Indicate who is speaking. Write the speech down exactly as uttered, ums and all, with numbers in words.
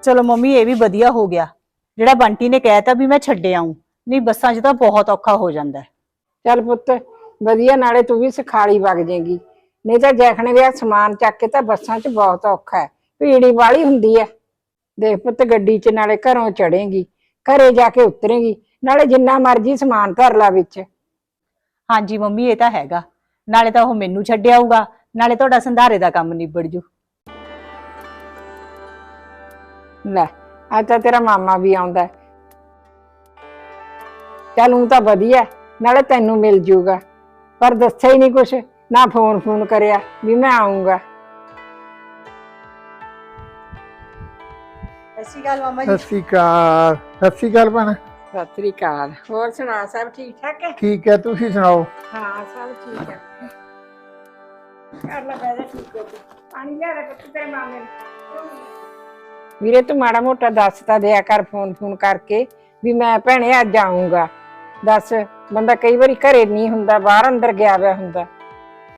Speaker 1: ਚਲੋ ਮੰਮੀ ਇਹ ਵੀ ਵਧੀਆ ਹੋ ਗਿਆ ਜਿਹੜਾ ਬੰਟੀ ਨੇ ਕਹਿਤਾ ਵੀ ਮੈਂ ਛੱਡ ਆऊं। ਨਹੀਂ ਬੱਸਾਂ 'ਚ ਤਾਂ ਬਹੁਤ ਔਖਾ ਹੋ ਜਾਂਦਾ।
Speaker 2: ਚੱਲ ਪੁੱਤ ਵਧੀਆ, ਨਾਲੇ ਤੂੰ ਵੀ ਸਿਖਾਲੀ ਵਗ ਜਾਏਗੀ। ਨਹੀਂ ਤਾਂ ਜੈਖਣੇ ਵੀ ਸਮਾਨ ਚੱਕ ਕੇ ਤਾਂ ਬੱਸਾਂ 'ਚ ਬਹੁਤ ਔਖਾ ਹੈ, ਭੀੜੀ ਵਾਲੀ ਹੁੰਦੀ ਹੈ। ਦੇਖ ਪੁੱਤ ਗੱਡੀ 'ਚ ਨਾਲੇ ਘਰੋਂ ਚੜੇਗੀ, ਘਰੇ ਜਾ ਕੇ ਉਤਰੇਗੀ, ਨਾਲੇ ਜਿੰਨਾ ਮਰਜ਼ੀ ਸਮਾਨ ਧਰ ਲਾ ਵਿੱਚ।
Speaker 1: ਹਾਂਜੀ ਮੰਮੀ ਇਹ ਤਾਂ ਹੈਗਾ, ਨਾਲੇ ਤਾਂ ਉਹ ਮੈਨੂੰ ਛੱਡ ਆਊਗਾ, ਨਾਲੇ ਤੁਹਾਡਾ ਸੰਧਾਰੇ ਦਾ ਕੰਮ ਨਿਬੜ ਜੂ।
Speaker 2: ਲੈ ਅੱਜ ਤਾਂ ਤੇਰਾ ਮਾਮਾ ਵੀ ਆਉਂਦਾ। ਚੱਲ ਊਂ ਤਾਂ ਵਧੀਆ, ਨਾਲੇ ਤੈਨੂੰ ਮਿਲ ਜੂਗਾ, ਪਰ ਦੱਸਿਆ ਹੀ ਨਹੀਂ ਕੁਛ, ਨਾ ਫੋਨ ਫੋਨ ਕਰਿਆ ਵੀ ਮੈਂ ਆਉਂਗਾ।
Speaker 1: ਸਤਿ ਸ਼੍ਰੀ ਅਕਾਲ ਮਾਮਾ
Speaker 3: ਸਤਿ ਸ਼੍ਰੀ ਅਕਾਲ। ਸਤਿ ਸ਼੍ਰੀ ਅਕਾਲ ਭੈਣ।
Speaker 2: ਸਤਿ ਸ੍ਰੀ ਅਕਾਲ। ਹੋਰ ਸੁਣਾ, ਸਭ ਠੀਕ ਠਾਕ ਹੈ?
Speaker 3: ਠੀਕ ਹੈ, ਤੁਸੀਂ ਸੁਣਾਓ?
Speaker 2: ਹਾਂ ਸਭ ਠੀਕ ਹੈ। ਕਰ ਲੈ ਬੈਠਾ, ਠੀਕ ਹੋ ਤੂੰ? ਪਾਣੀ ਲਿਆ ਦੇ ਪੁੱਤ ਤੇਰੇ ਮਾਮੇ ਨੂੰ। ਵੀਰੇ ਤੂੰ ਮਾੜਾ ਮੋਟਾ ਦੱਸ ਤਾਂ ਦਿਆ ਕਰ ਫੋਨ ਫੋਨ ਕਰਕੇ ਵੀ ਮੈਂ ਭੈਣੇ ਅੱਜ ਆਊਂਗਾ। ਦੱਸ, ਬੰਦਾ ਕਈ ਵਾਰੀ ਘਰੇ ਨਹੀਂ ਹੁੰਦਾ, ਬਾਹਰ ਅੰਦਰ ਗਿਆ ਹੋਇਆ ਹੁੰਦਾ।